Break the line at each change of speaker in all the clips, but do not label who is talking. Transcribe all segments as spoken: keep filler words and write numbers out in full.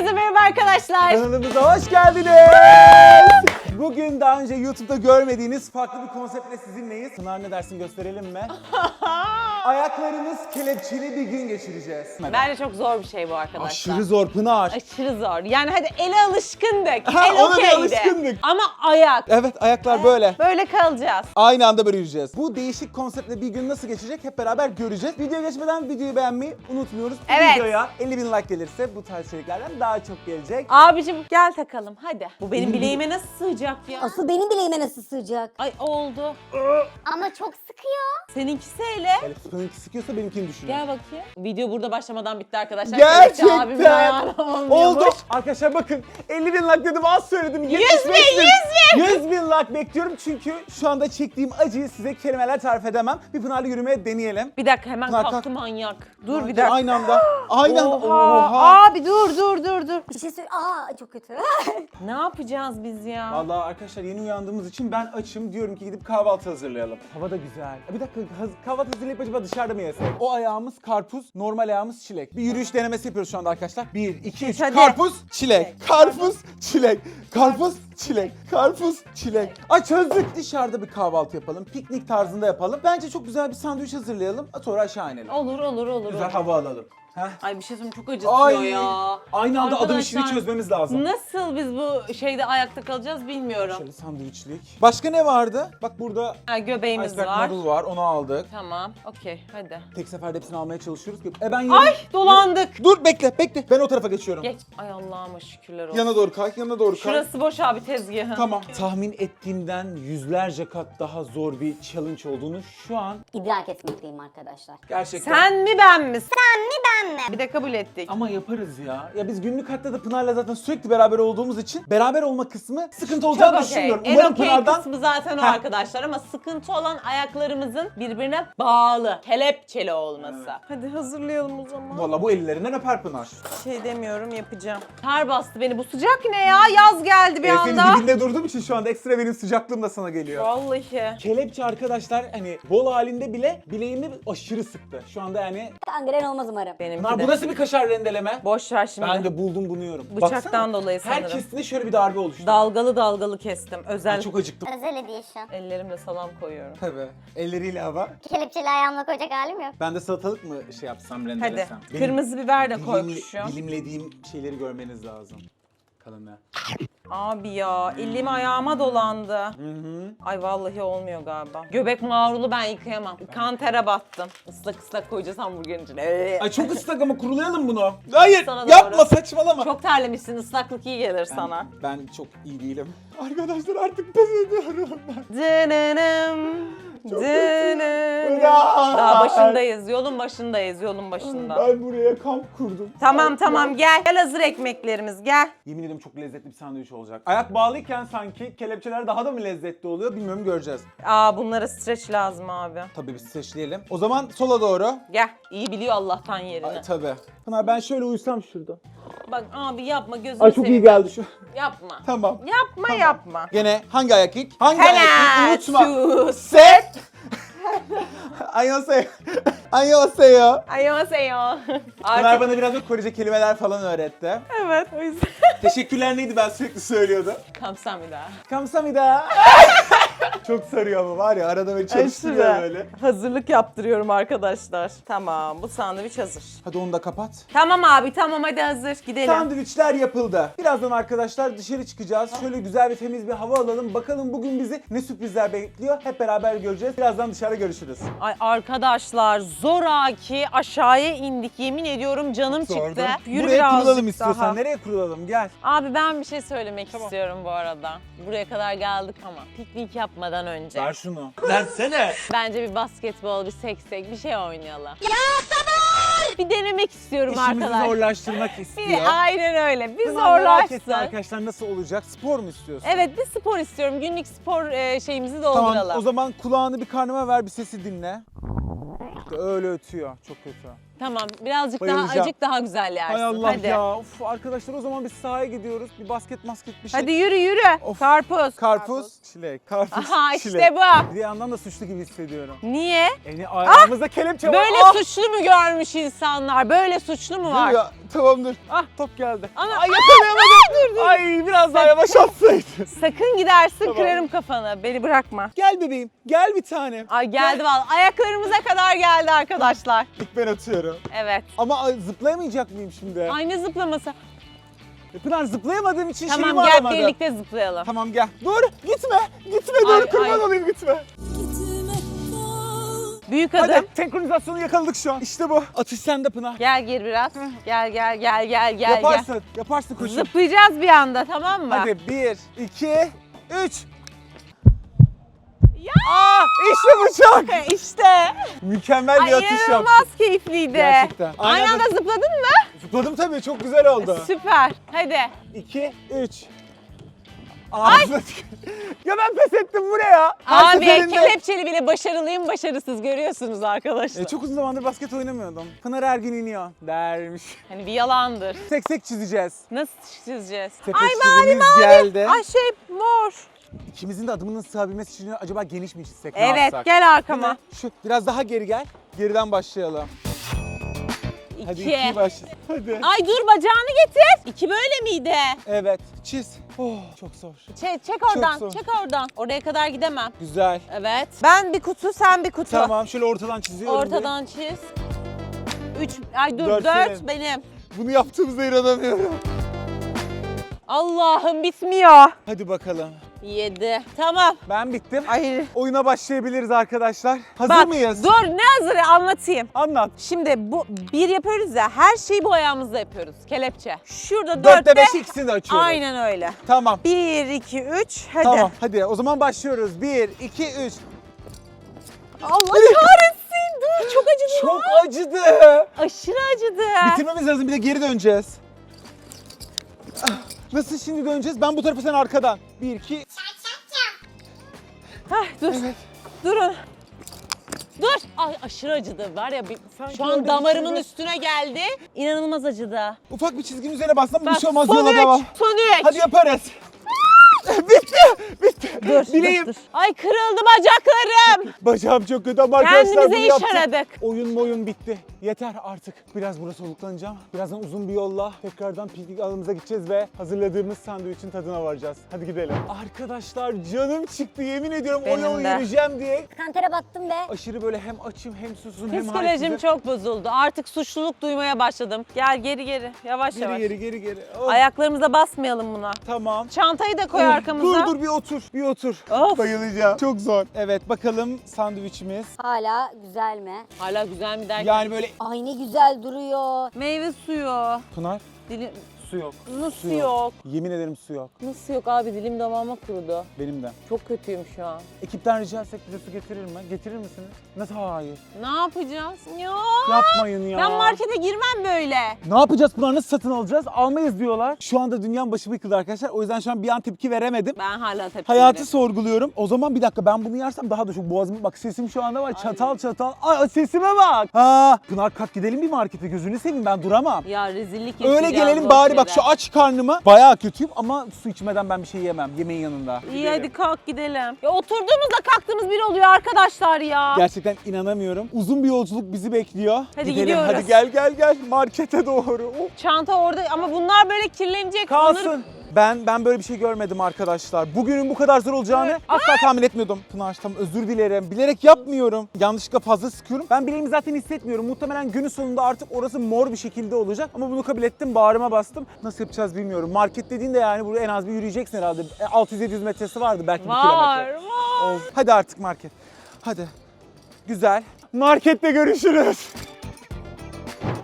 Herkese merhaba arkadaşlar.
Kanalımıza hoş geldiniz. Bugün daha önce YouTube'da görmediğiniz farklı bir konseptle sizinleyiz. Pınar ne dersin gösterelim mi? Ayaklarımız kelepçeli bir gün geçireceğiz.
Bence çok zor bir şey bu arkadaşlar.
Aşırı zor Pınar.
Aşırı zor. Yani hadi ele alışkındık.
Ha,
El
ona bir
okeydi.
alışkındık.
Ama ayak.
Evet ayaklar böyle.
Böyle kalacağız.
Aynı anda böyle yürüyeceğiz. Bu değişik konseptle bir gün nasıl geçecek hep beraber göreceğiz. Videoya geçmeden videoyu beğenmeyi unutmuyoruz. Bu
Evet.
videoya elli bin like gelirse bu tarz içeriklerden daha çok gelecek.
Abicim gel takalım hadi. Bu benim bileğime nasıl sığacak ya?
Asıl benim bileğime nasıl sığacak?
Ay oldu.
Ama çok sıkıyor.
Seninkisi ele.
Elif Pınar'ınki sıkıyorsa benimkini düşünün.
Gel bakayım. Video burada başlamadan bitti arkadaşlar.
Gerçekten.
Kelepçe abimin ayağına olmuyormuş.
Oldu. Arkadaşlar bakın elli bin like dedim az söyledim.
Yüz
yetmiş
bin,
beş
yüz bin.
yüz bin like bekliyorum çünkü şu anda çektiğim acıyı size kelimeler tarif edemem. Bir Pınar'la yürümeye deneyelim.
Bir dakika hemen
Pınar,
kalktı
kalk.
manyak. Dur bir dakika.
Aynı anda. Aynı anda.
Oha.
Oha.
Abi dur dur dur dur.
Bir şey söyle. Aa çok kötü.
Ne yapacağız biz ya?
Vallahi arkadaşlar yeni uyandığımız için ben açım. Diyorum ki gidip kahvaltı hazırlayalım. Hava da güzel. Bir dakika haz- kahvaltı hazırlayıp acaba dışarıda mı yesek? O ayağımız karpuz, normal ayağımız çilek. Bir yürüyüş denemesi yapıyoruz şu anda arkadaşlar. bir, iki, üç.
Hadi.
Karpuz, çilek. Karpuz, çilek. Karpuz, çilek. Karpuz, çilek. Ay çözdük. Dışarıda bir kahvaltı yapalım. Piknik tarzında yapalım. Bence çok güzel bir sandviç hazırlayalım. Sonra aşağı inelim.
Olur olur olur.
Güzel
olur.
hava alalım. Heh.
Ay bir şey söyleyeyim çok acıtıyor
Ay.
ya.
Aynı anda adım işini
Arkadaşlar,
çözmemiz lazım.
Nasıl biz bu şeyde ayakta kalacağız bilmiyorum.
Şöyle sandviçlik. Başka ne vardı? Bak burada
Ha, göbeğimiz
iceberg
var.
noodle var. Onu aldık.
Tamam okey hadi.
Tek seferde hepsini almaya çalışıyoruz ki. E ben yarın...
Ay dolandık.
Dur bekle bekle. Ben o tarafa geçiyorum.
Geç. Ay Allah'ıma şükürler olsun.
Yana doğru kay, yana doğru kay.
Şurası boş abi tezgahın.
Tamam. Tahmin ettiğimden yüzlerce kat daha zor bir challenge olduğunu şu an
İdrak etmekteyim arkadaşlar.
gerçekten...
Sen mi ben mi?
Sen mi ben mi?
Bir de kabul ettik.
Ama yaparız ya. Ya biz günlük hayatta da Pınar'la zaten sürekli beraber olduğumuz için beraber olma kısmı sıkıntı olacağını
Çok okey.
düşünmüyorum.
En
Umarım
okey
Pınar'dan...
kısmı zaten o
Heh.
arkadaşlar ama sıkıntı olan ayaklarımızın birbirine bağlı, kelepçeli olması.
Evet.
Hadi hazırlayalım o zaman.
Valla bu ellerinden öper Pınar.
Şey demiyorum yapacağım. Kar bastı beni bu sıcak ne ya? Yaz geldi bir
E, senin
anda.
dibinde durduğum için şu anda ekstra benim sıcaklığım da sana geliyor.
Vallahi.
Kelepçe arkadaşlar hani bol halinde bile bileğimi aşırı sıktı. Şu anda yani...
Kangren olmaz umarım.
Benimki
Pınar
de.
bu nasıl bir kaşar rendeleme?
Boş ver şimdi.
Ben de buldum bunu yiyorum.
Bıçaktan
Baksana,
dolayı sanırım.
her kestiğinde şöyle bir darbe oluştu.
Dalgalı dalgalı kestim. Özel.
Ay, çok acıktım.
Özel edition.
Ellerimle salam koyuyorum.
Tabii. Elleriyle hava.
Kelepçeli ayağımla koyacak halim yok.
Ben de salatalık mı şey yapsam,
Hadi.
rendelesem? Benim
Kırmızı biber de
dilimli-
koymuşum.
Dilimlediğim şeyleri görmeniz lazım. Kalın
Abi ya elim ayağıma dolandı.
Hı hı.
Ay vallahi olmuyor galiba. Göbek mağrulu ben yıkayamam. Kan tere battım. Islak ıslak koyacağız hamburgerin içine. Ee.
Ay çok ıslak ama kurulayalım bunu. Hayır
Sana doğru.
yapma saçmalama.
Çok terlemişsin. Islaklık iyi gelir sana.
Ben çok iyi değilim. Arkadaşlar artık pes ediyorum ben.
Dınınım.
Çok
Dınınım.
Aa!
Daha başındayız. Yolun başındayız. Yolun başında.
Ben buraya kamp kurdum.
Tamam tamam gel. Gel hazır ekmeklerimiz gel.
Yemin ederim çok lezzetli bir sandviç olacak. Ayak bağlıyken sanki kelepçeler daha da mı lezzetli oluyor bilmiyorum göreceğiz.
Aa bunlara streç lazım abi.
Tabii biz seçleyelim. O zaman sola doğru.
Gel. İyi biliyor Allah'tan yerini.
Ay, tabii. Pınar ben şöyle uyusam şurada.
Bak abi yapma gözünü
Ay çok iyi
seveyim.
geldi şu.
Yapma.
Tamam.
Yapma yapma.
Gene hangi ayak ilk? Hangi ayak
Helal.
ilk? Unutma.
Şu
Set. Annyeonghaseyo. Annyeonghaseyo.
Annyeonghaseyo.
Pınar
Artık
bana biraz da Korece kelimeler falan öğretti.
evet o yüzden.
Teşekkürler neydi ben sürekli söylüyordu.
Kamsahamnida.
Kamsamida. Çok sarıyor ama var ya arada böyle çalıştırıyor
Aşırı.
böyle.
Hazırlık yaptırıyorum arkadaşlar. Tamam bu sandviç hazır.
Hadi onu da kapat.
Tamam abi tamam hadi hazır gidelim.
Sandviçler yapıldı. Birazdan arkadaşlar dışarı çıkacağız. Şöyle güzel ve temiz bir hava alalım. Bakalım bugün bizi ne sürprizler bekliyor. Hep beraber göreceğiz. Birazdan dışarı görüşürüz.
Ay arkadaşlar zoraki aşağıya indik yemin ediyorum canım çıktı. Yürü
Buraya
birazcık
kurulalım istiyorsan.
daha.
Nereye kurulalım? Gel.
Abi ben bir şey söylemek
Tamam.
istiyorum bu arada. Buraya kadar geldik ama piknik yapmadan önce.
Ver şunu.
Bence bir basketbol, bir seksek bir şey oynayalım. Ya sabır! Bir denemek istiyorum
İşimizi
arkadaşlar.
zorlaştırmak
Bir
istiyor.
de aynen öyle. Bir
Pınar merak etti
zorlaşsın.
arkadaşlar nasıl olacak? Spor mu istiyorsun?
Evet bir spor istiyorum. Günlük spor e, şeyimizi
Tamam
dolduralım.
o zaman kulağını bir karnıma ver bir sesi dinle. İşte öyle ötüyor. Çok kötü.
Tamam birazcık daha
Bayılacağım.
acık daha güzel yersin.
Hay Allah
Hadi.
ya. Of, arkadaşlar o zaman biz sahaya gidiyoruz. Bir basket masket bir şey.
Hadi yürü yürü.
Of.
Karpuz.
Karpuz, çilek, karpuz,
Aha
çilek.
işte bu.
Bir yandan da suçlu gibi hissediyorum.
Niye?
Yani ayağımızda kelepçe var.
Böyle
Ah!
suçlu mu görmüş insanlar? Böyle suçlu mu var?
Dur ya, tamamdır. Ah top geldi.
Ana-
Ay yakalayamadım. Ay biraz daha yavaş atsaydın.
Sakın gidersin
Tamam.
kırarım kafanı. Beni bırakma.
Gel bebeğim, gel bir tanem.
Ay geldi vallahi. Ayaklarımıza kadar geldi arkadaşlar.
İlk ben atıyorum.
Evet.
Ama ay, zıplayamayacak mıyım şimdi?
Ay ne zıplaması.
Pınar zıplayamadığım için şeyimi
Tamam gel
alamadım.
birlikte zıplayalım.
Tamam gel. Dur gitme. Gitme dur
Ay,
kurban
ay.
olayım gitme.
Büyük adım.
Hadi senkronizasyonu yakaladık şu an. İşte bu. Atış sende Pınar.
Gel gir biraz. Gel gel gel gel gel.
Yaparsın. Yaparsın
Gel.
koşun.
Zıplayacağız bir anda tamam mı?
Hadi bir, iki, üç. Aa, işte bıçak.
İşte.
Mükemmel bir
Ay
atış yaptım.
inanılmaz keyifliydi.
Gerçekten.
Aynı
Aynı
anda
anda-
zıpladın mı?
Zıpladım tabii çok güzel oldu.
Süper. Hadi.
iki, üç. Ağzına tük- Ya ben pes ettim bu ne ya? Her
Abi
seferinde-
kelepçeli bile başarılıyım başarısız görüyorsunuz arkadaşlar.
E, çok uzun zamandır basket oynamıyordum. Pınar her gün iniyor dermiş.
Hani bir yalandır.
Tek tek çizeceğiz.
Nasıl çizeceğiz?
Sepet
Ay mavi
çizimimiz
mavi.
geldi.
Ay şey mor.
İkimizin de adımının sığabilmesi için acaba geniş mi çizsek? ne
Evet
yapsak?
gel
Değil
arkama.
mi? Şu biraz daha geri gel. Geriden başlayalım. Hadi
İki.
ikiyi başla. Hadi.
Ay dur bacağını getir. İki böyle miydi?
Evet. Çiz. Oh, çok zor.
Çek, çek oradan,
zor.
çek oradan. Oraya kadar gidemem.
Güzel.
Evet. Ben bir kutu, sen bir kutu.
Tamam şöyle ortadan çiziyorum.
Ortadan çiz. Üç, ay dur
Dört
dört,
senin.
benim.
bir. Bunu yaptığımıza inanamıyorum.
Allah'ım bitmiyor.
Hadi bakalım.
Yedi. Tamam.
Ben bittim.
Ay.
Oyuna başlayabiliriz arkadaşlar. Hazır
Bak,
mıyız?
dur ne hazırı anlatayım.
Anlat.
Şimdi bu bir yapıyoruz ya, her şeyi bu ayağımızda yapıyoruz. Kelepçe. Şurada
Dörtte
dörtte.
beş ikisini de açıyoruz.
Aynen öyle.
Tamam.
Bir, iki, üç. Hadi.
Tamam hadi o zaman başlıyoruz. Bir, iki, üç.
Allah kahretsin. Dur çok acıdı.
Çok acıdı.
Aşırı acıdı.
Bitirmemiz lazım bir de geri döneceğiz. Ah, Nasıl şimdi döneceğiz? Ben bu tarafa sen arkadan. Bir, iki.
Hah, dur. Durun. Dur. Ay aşırı acıdı. Var ya bir,
Sanki
şu
orada
an
bir
damarımın
çizgi-
üstüne geldi. İnanılmaz acıdı.
Ufak bir çizginin üzerine bassam bir
Bak,
şey olmaz
son
yola
üç.
devam.
Son üç.
Hadi yaparız. bitti. Bitti.
Dur,
Bileğim.
dur, dur. Ay kırıldı bacaklarım.
Bacağım çok kötü ama arkadaşlar bunu
Kendimize iş
yaptık.
aradık.
Oyun boyun bitti. Yeter artık. Biraz burada soluklanacağım. Birazdan uzun bir yolla tekrardan piknik alanımıza gideceğiz ve hazırladığımız sandviçin tadına varacağız. Hadi gidelim. Arkadaşlar canım çıktı yemin ediyorum o
Benim
yolu
de.
yürüyeceğim diye.
Kantere battım be.
Aşırı böyle hem açım hem susuzum hem
Psikolojim
halsizim.
çok bozuldu. Artık suçluluk duymaya başladım. Gel geri geri. Yavaş
Geri
yavaş.
geri geri geri. Oh,
Ayaklarımıza basmayalım buna.
Tamam.
Çantayı da koy
Oh,
arkamıza.
Dur dur bir otur bir otur.
Of.
Bayılacağım. Çok zor. Evet bakalım sandviçimiz.
Hala güzel mi?
Hala güzel mi derken?
Yani böyle
Ay ne güzel duruyor.
Meyve suyu.
Pınar
Dilim...
su yok.
Nasıl
Su
yok?
Yemin ederim su yok.
Nasıl yok abi? Dilim damağıma kurudu.
Benim de.
Çok kötüyüm şu an.
Ekipten rica etsek bize su getirir mi? Getirir misiniz? Nasıl hayır?
Ne yapacağız? Ya.
Yapmayın ya.
Ben markete girmem böyle.
Ne yapacağız Pınar? Nasıl satın alacağız? Almayız diyorlar. Şu anda dünyanın başı yıkıldı arkadaşlar. O yüzden şu an bir an tepki veremedim.
Ben hala tepki
Hayatı
veririm.
sorguluyorum. O zaman bir dakika ben bunu yersem daha da çok boğazım. Bak sesim şu anda var çatal çatal. Ay sesime bak. Ha. Pınar kalk gidelim bir markete gözünü seveyim ben duramam.
Ya rezillik
Öyle
yaşayacağız
gelelim
boş
bari bak
yere.
şu aç karnıma bayağı kötüyüm ama su içmeden ben bir şey yemem yemeğin yanında.
İyi
Gidelim.
hadi kalk gidelim. Ya oturduğumuzda kalktığımız bir oluyor arkadaşlar ya.
Gerçekten inanamıyorum. Uzun bir yolculuk bizi bekliyor.
Hadi
Gidelim
gidiyoruz.
hadi gel gel gel markete doğru. Oh.
Çanta orada ama bunlar böyle kirlenecek.
Kalsın.
Onları-
Ben ben böyle bir şey görmedim arkadaşlar. Bugünün bu kadar zor olacağını asla tahmin etmiyordum. Pınar tamam özür dilerim. Bilerek yapmıyorum. Yanlışlıkla fazla sıkıyorum. Ben bileğimi zaten hissetmiyorum. Muhtemelen günün sonunda artık orası mor bir şekilde olacak. Ama bunu kabul ettim. Bağrıma bastım. Nasıl yapacağız bilmiyorum. Market dediğin de yani buraya en az bir yürüyeceksin herhalde. altı yüz yedi yüz metresi vardı belki bir
Var
kilometre.
var.
Of. Hadi artık market. Hadi. Güzel. Markette görüşürüz.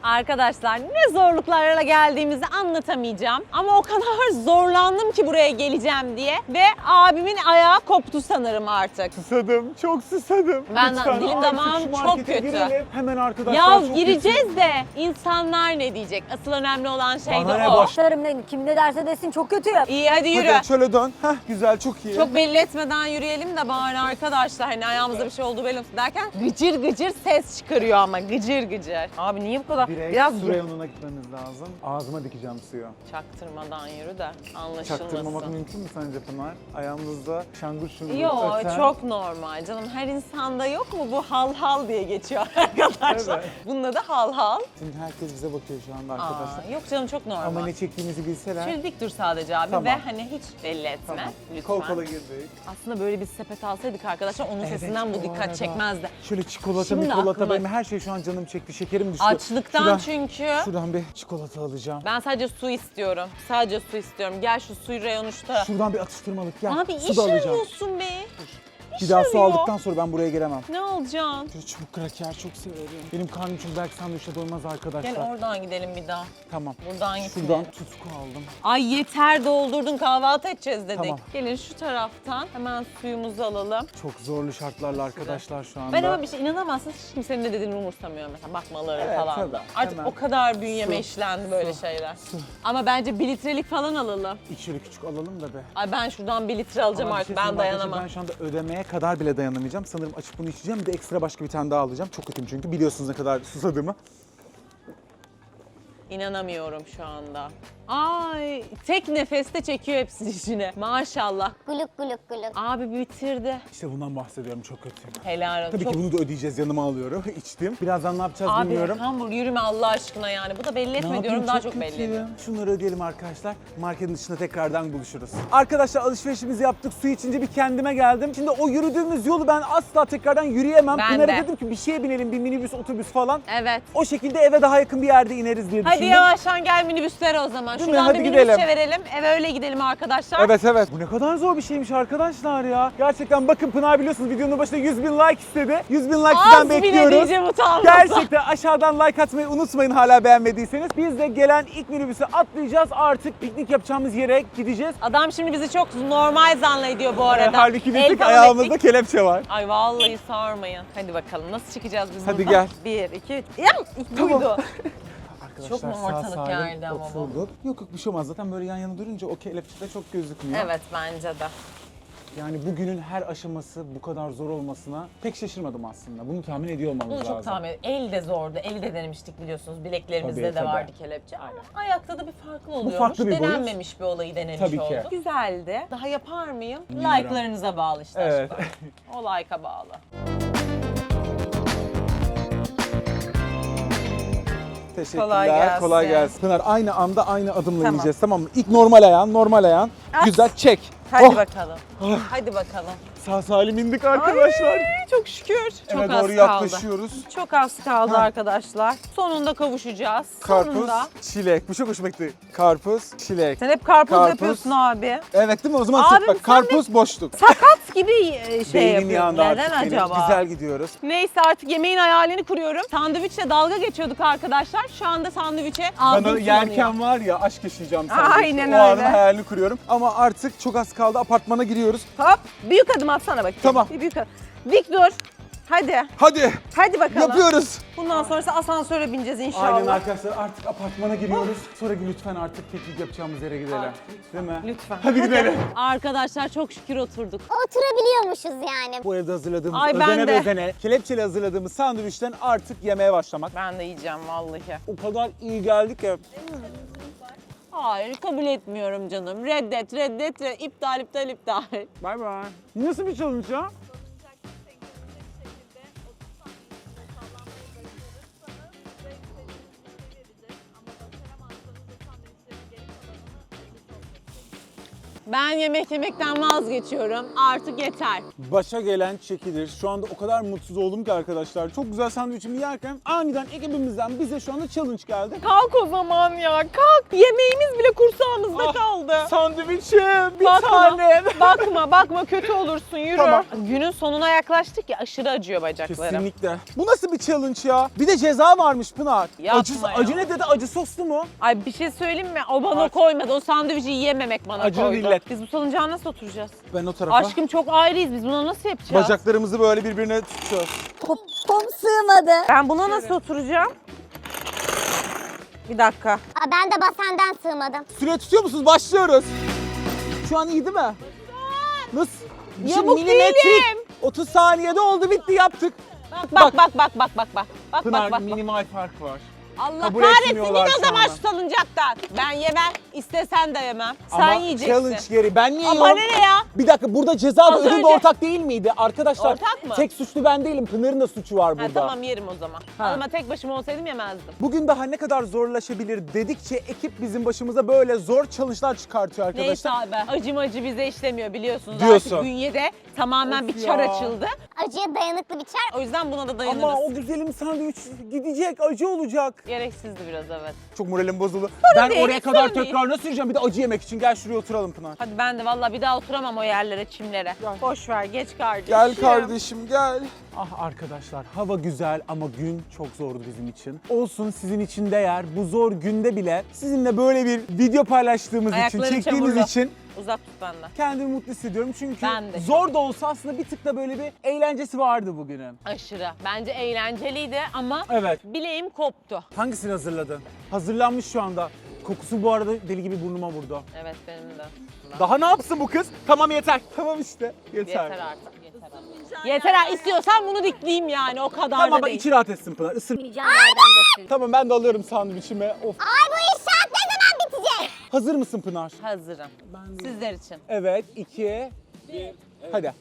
Arkadaşlar ne zorluklarla geldiğimizi anlatamayacağım. Ama o kadar zorlandım ki buraya geleceğim diye. Ve abimin ayağı koptu sanırım artık.
Susadım, çok susadım.
Ben de-
Lütfen
dilim
artık
damağım
şu
çok
markete
kötü.
girelim. Hemen arkadaşlar
Ya
çok
gireceğiz de insanlar ne diyecek? Asıl önemli olan şey
Bana
de
ne
o.
boş-
Başlarım ne, kim ne derse desin çok kötüyüm.
İyi hadi yürü.
Hadi şöyle dön. Heh, güzel, çok iyi.
Çok belli etmeden yürüyelim de bari arkadaşlar hani ayağımızda bir şey olduğu belli olsun derken gıcır gıcır ses çıkarıyor ama gıcır gıcır. Abi niye bu kadar?
Direkt
Biraz
su reyonuna gitmemiz lazım. Ağzıma dikeceğim suyu.
çaktırmadan yürü de
Çaktırmamak
anlaşılmasın.
mümkün mü sence Pınar? Ayağımızda şangur şungur
Yo
öten.
çok normal canım. Her insanda yok mu bu hal hal diye geçiyor arkadaşlar.
Evet.
Bunun adı hal hal.
Şimdi herkes bize bakıyor şu anda
Aa,
arkadaşlar.
yok canım çok normal.
Ama ne çektiğimizi bilseler.
Şöyle dik dur sadece abi
Tamam.
ve hani hiç belli etme
Tamam.
lütfen.
Kol kola girdik.
Aslında böyle bir sepet alsaydık arkadaşlar onun sesinden bu
bu
dikkat
arada.
çekmezdi.
Şöyle çikolata,
Şimdi
mikolata
aklıma-
benim her şey şu an canım çekti. Şekerim düştü.
Açlıktan
Şuradan-
çünkü.
Şuradan bir çikolata alacağım.
Ben sadece su istiyorum. Sadece su istiyorum. Gel şu suyu reyonu şu tarafa.
Şuradan bir atıştırmalık gel.
Abi
Su
iş
da alacağım.
arıyorsun be.
Bir daha su
arıyor.
aldıktan sonra ben buraya gelemem.
Ne alacaksın?
Şöyle çubuk kraker çok severim. Benim karnım çünkü belki sandviçe doymaz arkadaşlar.
Gel oradan gidelim bir daha.
Tamam.
Buradan
Şuradan
gitmeyelim.
tutku aldım.
Ay yeter doldurdun kahvaltı edeceğiz dedik.
Tamam.
Gelin şu taraftan hemen suyumuzu alalım.
Çok zorlu şartlarla arkadaşlar şu anda.
Ben ama bir şey inanamazsınız hiç kimsenin ne dediğini umursamıyorum mesela bakmaları
Evet,
falan
tabii.
da. Artık
Hemen.
o kadar bünyeme
Su,
işlendi böyle
su,
şeyler.
su.
Ama bence bir litrelik falan alalım.
İki şöyle küçük alalım da be.
Ay ben şuradan bir litre alacağım
Ama bir
artık
şey
ben
söyleyeyim arkadaşlar,
dayanamam.
Ben şu anda ödemeye kadar bile dayanamayacağım. Sanırım açıp bunu içeceğim. Bir de ekstra başka bir tane daha alacağım. Çok kötüyüm çünkü biliyorsunuz ne kadar susadığımı.
İnanamıyorum şu anda. Ay tek nefeste çekiyor hepsini içine. Maşallah.
Guluk guluk guluk.
Abi bitirdi.
İşte bundan bahsediyorum, çok kötüyüm.
Helal olsun.
Tabii
Çok-
ki bunu da ödeyeceğiz, yanıma alıyorum. İçtim. Birazdan ne yapacağız
Abi
bilmiyorum.
hamburg yürüme Allah aşkına yani. Bu da belli etme
Ne
diyorum
yapayım,
daha çok belli
kötüyüm.
ediyor.
Şunları ödeyelim arkadaşlar. Marketin dışında tekrardan buluşuruz. Arkadaşlar alışverişimizi yaptık. Su içince bir kendime geldim. Şimdi o yürüdüğümüz yolu ben asla tekrardan yürüyemem.
Ben
Pınar'a
de.
dedim ki bir şeye binelim, bir minibüs, otobüs falan.
Evet.
O şekilde eve daha yakın bir yerde ineriz diye
Hadi
düşündüm.
yavaştan gel minibüslere o zaman.
Değil mi?
Şuradan
Hadi
bir
gidelim.
minibüse verelim. Eve öyle gidelim arkadaşlar.
Evet evet. Bu ne kadar zor bir şeymiş arkadaşlar ya. Gerçekten bakın Pınar biliyorsunuz videonun başında yüz bin like istedi. yüz bin like sizden
Az bile
bekliyoruz.
diyeceğim utanmasa.
Gerçekten aşağıdan like atmayı unutmayın hala beğenmediyseniz. Biz de gelen ilk minibüse atlayacağız. Artık piknik yapacağımız yere gideceğiz.
Adam şimdi bizi çok normal zannediyor bu arada.
Ee, halbuki
El
bir tık
falan
ayağımızda
ettik.
kelepçe var.
Ay vallahi sarmayın. Hadi bakalım nasıl çıkacağız biz
Hadi
buradan?
gel.
Bir, iki, üç. Yam! Buydu.
Arkadaşlar
Çok mu
sağ
ortalık
salim
yerde ama bu?
oturduk. Yok yok bir şey olmaz. Zaten böyle yan yana durunca o kelepçe de çok gözükmüyor.
Evet bence de.
Yani bugünün her aşaması bu kadar zor olmasına pek şaşırmadım aslında. Bunu tahmin ediyor olmamız
Bunu
lazım.
çok tahmin ediyorum. El de zordu. Eli de denemiştik biliyorsunuz. Bileklerimizde
Tabii,
de
tabii.
vardı kelepçe. Ama ayakta da bir farklı oluyormuş.
farklı bir boyut.
Denenmemiş bir olayı denemiş
Tabii ki.
olduk. Güzeldi. Daha yapar mıyım?
Bilmiyorum.
Like'larınıza bağlı işte
Evet.
aşkım. O like'a bağlı.
Teşekkürler.
Kolay gelsin.
Kolay gelsin. Pınar aynı anda aynı adımla
Tamam.
ineceğiz tamam mı? İlk normal ayağın, normal ayağın.
At.
Güzel çek.
Hadi
Oh,
bakalım. Hadi bakalım.
Sağ salim indik arkadaşlar.
Ay, çok şükür. Çok
Eve
az
doğru
kaldı.
yaklaşıyoruz.
Çok az kaldı
Ha.
arkadaşlar. Sonunda kavuşacağız.
Karpuz,
Sonunda.
çilek. Bu çok hoşuma gitti. Karpuz, çilek.
Sen hep karpuz,
Karpuz.
yapıyorsun abi.
Evet değil mi? O zaman
Abim,
sık bak.
sen
Karpuz boşluk.
Sakat gibi e, şey
Beynin
yapıyorsun.
yanında
Neden
artık benim.
acaba?
Güzel gidiyoruz.
Neyse artık yemeğin hayalini kuruyorum. Sandviçle dalga geçiyorduk arkadaşlar. Şu anda sandviçe
Ben
ağzım
o
sulanıyor.
yerken var ya aşk yaşayacağım sandım.
Aynen
O anın
öyle.
hayalini kuruyorum. Ama artık çok az kaldı. Apartmana giriyoruz.
Hop büyük adım atsana bakayım.
Tamam.
Bir büyük adım. Dik dur. Hadi.
Hadi
Hadi bakalım.
yapıyoruz.
Bundan sonrası asansöre bineceğiz inşallah.
Aynen arkadaşlar artık apartmana giriyoruz. Sonra lütfen artık piknik yapacağımız yere gidelim. Değil mi?
Lütfen.
Hadi gidelim.
Arkadaşlar çok şükür oturduk.
Oturabiliyormuşuz yani.
Bu evde hazırladığımız,
Ay, ben
özene
de.
bezene, kelepçeli hazırladığımız sandviçten artık yemeye başlamak.
Ben de yiyeceğim vallahi.
O kadar iyi geldi ki.
Hayır kabul etmiyorum canım. Reddet, reddet, reddet. İptal, iptal, iptal.
Bay bay. Nasıl bir challenge ya?
Ben yemek yemekten vazgeçiyorum. Artık yeter.
Başa gelen çekilir. Şu anda o kadar mutsuz oldum ki arkadaşlar. Çok güzel sandviçimi yerken aniden ekibimizden bize şu anda challenge geldi.
Kalk o zaman ya kalk. Yemeğimiz bile kursağımıza ağızda
Ah,
kaldı.
Sandviçim bir
Bakma,
tanem.
bakma, bakma kötü olursun yürü.
Tamam.
Günün sonuna yaklaştık ya aşırı acıyor bacaklarım.
Kesinlikle. Bu nasıl bir challenge ya? Bir de ceza varmış Pınar.
Yapma
acı,
ya.
acı ne dedi? Acı soslu mu?
Ay bir şey söyleyeyim mi? O bana
Aç.
koymadı. O sandviçi yiyememek bana
Acılı
koydu.
millet.
Biz bu salıncağa nasıl oturacağız?
Ben o tarafa.
Aşkım çok ayrıyız. Biz buna nasıl yapacağız?
Bacaklarımızı böyle birbirine tutacağız.
Popom sığmadı.
Ben buna nasıl oturacağım? Bir dakika.
Aa, ben de basenden sığmadım.
Süre tutuyor musunuz? Başlıyoruz. Şu an iyi değil mi? Nasıl? Bir şey
Yamuk
milimetrik.
değilim.
otuz saniyede oldu bitti yaptık.
Bak bak bak bak bak bak. Bak
Pınar
bak bak. bak.
minimal fark var.
Allah
kabul
kahretsin
etmiyorlar
git o
şu
zaman
anda.
şu salıncaktan. Ben yemem. İstesen de yemem. Sen
Ama
yiyeceksin.
challenge geri. Ben niye
Ama
yiyorum?
ne ya?
Bir dakika burada ceza da
Az
ödül de
önce-
ortak değil miydi? Arkadaşlar
Ortak mı?
tek suçlu ben değilim. Pınar'ın da suçu var
Ha,
burada.
tamam yerim o zaman.
Ha.
Ama tek başıma olsaydım yemezdim.
Bugün daha ne kadar zorlaşabilir dedikçe ekip bizim başımıza böyle zor challenge'lar çıkartıyor
Neyse
arkadaşlar.
abi. Acım acı bize işlemiyor biliyorsunuz.
Diyorsun.
Artık bünyede tamamen
Of
bir çar
ya.
açıldı.
Acıya dayanıklı bir çar.
O yüzden buna da dayanırız.
Ama o güzelim sandviç gidecek, acı olacak.
Gereksizdi biraz evet.
Çok moralim bozuldu. ben
değil,
oraya kadar
sorun değil.
tekrar nasıl yürüyeceğim? Bir de acı yemek için. Gel şuraya oturalım Pınar.
Hadi ben de vallahi bir daha oturamam o yerlere, çimlere.
Gel.
Boş ver, geç kardeşim.
Gel kardeşim gel. Ah arkadaşlar hava güzel ama gün çok zordu bizim için. Olsun sizin için değer. Bu zor günde bile sizinle böyle bir video paylaştığımız
Ayakların
için, çektiğimiz
çamurlu.
için
Uzak tut benden.
kendimi mutlu hissediyorum. Çünkü
Ben de.
zor da olsa aslında bir tık da böyle bir eğlencesi vardı bugünün.
Aşırı. Bence eğlenceliydi ama
Evet.
bileğim koptu.
Hangisini hazırladın? Hazırlanmış şu anda. Kokusu bu arada deli gibi burnuma vurdu.
Evet benim de.
Daha ne yapsın bu kız? Tamam yeter. Tamam işte. Yeter.
Yeter artık. Yeter artık. Yeter ha. İstiyorsan bunu dikleyeyim yani o kadar
Tamam
da
bak
değil.
içi rahat etsin Pınar. Isır.
Yiyeceğim yerden de.
Tamam ben de alıyorum sandviçimi. Of.
Ay bu inşaat ne zaman bitecek?
Hazır mısın Pınar?
Hazırım. Sizler için.
Evet, iki, bir. Hadi.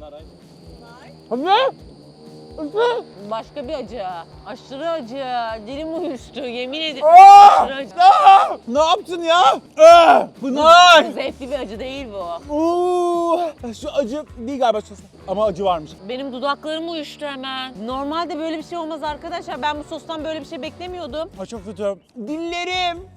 Hadi. Hadi.
Başka bir acı. Aşırı acı. Dilim uyuştu yemin ederim.
Aa!
Aşırı acı.
Aa! Ne yaptın ya? Aa! Pınar!
Zevkli bir acı değil bu.
Oo! Şu acı değil galiba şurası. Ama acı varmış.
Benim dudaklarım uyuştu hemen. Normalde böyle bir şey olmaz arkadaşlar. Ben bu sostan böyle bir şey beklemiyordum.
Ay çok kötü. Dillerim.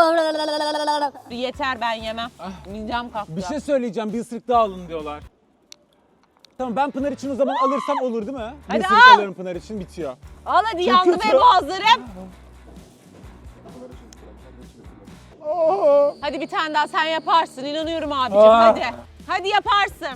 Yeter ben yemem. Midem kalktı.
Bir şey söyleyeceğim. Bir ısırık daha alın diyorlar. Tamam ben Pınar için o zaman alırsam olur değil mi?
Hadi
bir ısırık
al.
alırım Pınar için bitiyor.
Al hadi
Çok
yandı
kötü.
be boğazlarım.
Aa!
Hadi bir tane daha sen yaparsın. İnanıyorum abicim
Aa.
hadi. Hadi yaparsın.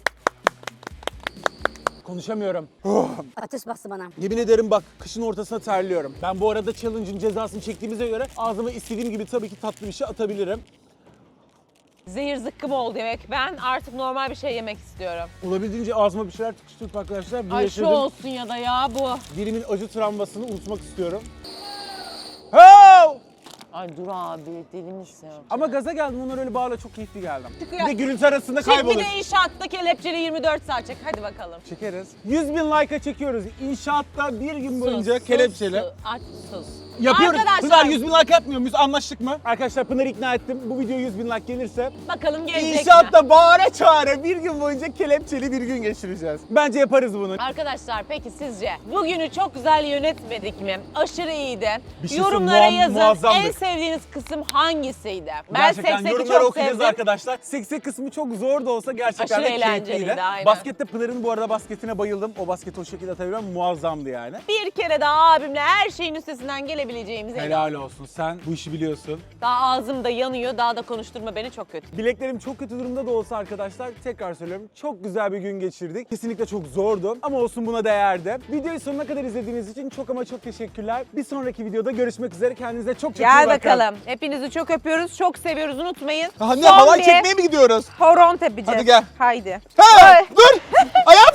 Konuşamıyorum.
Ateş bastı bana.
Yemin ederim bak kışın ortasına terliyorum. Ben bu arada challenge'ın cezasını çektiğimize göre ağzıma istediğim gibi tabii ki tatlı bir şey atabilirim.
Zehir zıkkım oldu yemek. Ben artık normal bir şey yemek istiyorum.
Olabildiğince ağzıma bir şeyler tıkıştırıp arkadaşlar bu
Ay şu
yaşadığım
olsun ya da ya bu.
dilimin acı travmasını unutmak istiyorum. Ho!
Ay dur abi dilimi istiyorum.
Ama gaza geldim onlar öyle bağla çok keyifli geldim.
Çıkıyor.
Bir de gürültü arasında
Çek bir
kaybolur.
de inşaatta kelepçeli yirmi dört saat çek. Hadi bakalım.
Çekeriz. yüz bin like'a çekiyoruz. İnşaatta bir gün boyunca
Sus,
kelepçeli.
sus, aç sus.
Yapıyoruz.
Arkadaşlar
Pınar yüz bin like yapmıyor muyuz? Anlaştık mı? Arkadaşlar Pınar'ı ikna ettim. Bu video yüz bin like gelirse
bakalım gelecek mi?
İnşaatta bağıra çağıra bir gün boyunca kelepçeli bir gün geçireceğiz. Bence yaparız bunu.
Arkadaşlar peki sizce bugünü çok güzel yönetmedik mi? Aşırı iyiydi.
Bir şey
Yorumlara
söyleyeyim, muam-
yazın
muazzamdık.
en sevdiğiniz kısım hangisiydi? Ben
Gerçekten
sekseki
yorumları
çok
okuyacağız
sevdim.
arkadaşlar. Seksek kısmı çok zor da olsa gerçekten
Aşırı
de
eğlenceliydi,
keyifliydi.
aynen.
Baskette Pınar'ın bu arada basketine bayıldım. O basketi o şekilde atabiliyorum. Muazzamdı yani.
Bir kere daha abimle her şeyin üstesinden gelebileceğimize
Helal olsun. Sen bu işi biliyorsun.
Daha ağzım da yanıyor. Daha da konuşturma beni çok kötü.
Bileklerim çok kötü durumda da olsa arkadaşlar tekrar söylüyorum çok güzel bir gün geçirdik. Kesinlikle çok zordu ama olsun buna değerdi. Videoyu sonuna kadar izlediğiniz için çok ama çok teşekkürler. Bir sonraki videoda görüşmek üzere. Kendinize çok çok iyi
Gel
bakın.
bakalım. Hepinizi çok öpüyoruz. Çok seviyoruz. Unutmayın.
Anne
Son
halay
bir
çekmeye mi gidiyoruz?
horon tepeceğiz.
Hadi gel.
Haydi.
Ha,
Ay.
dur! Ayağım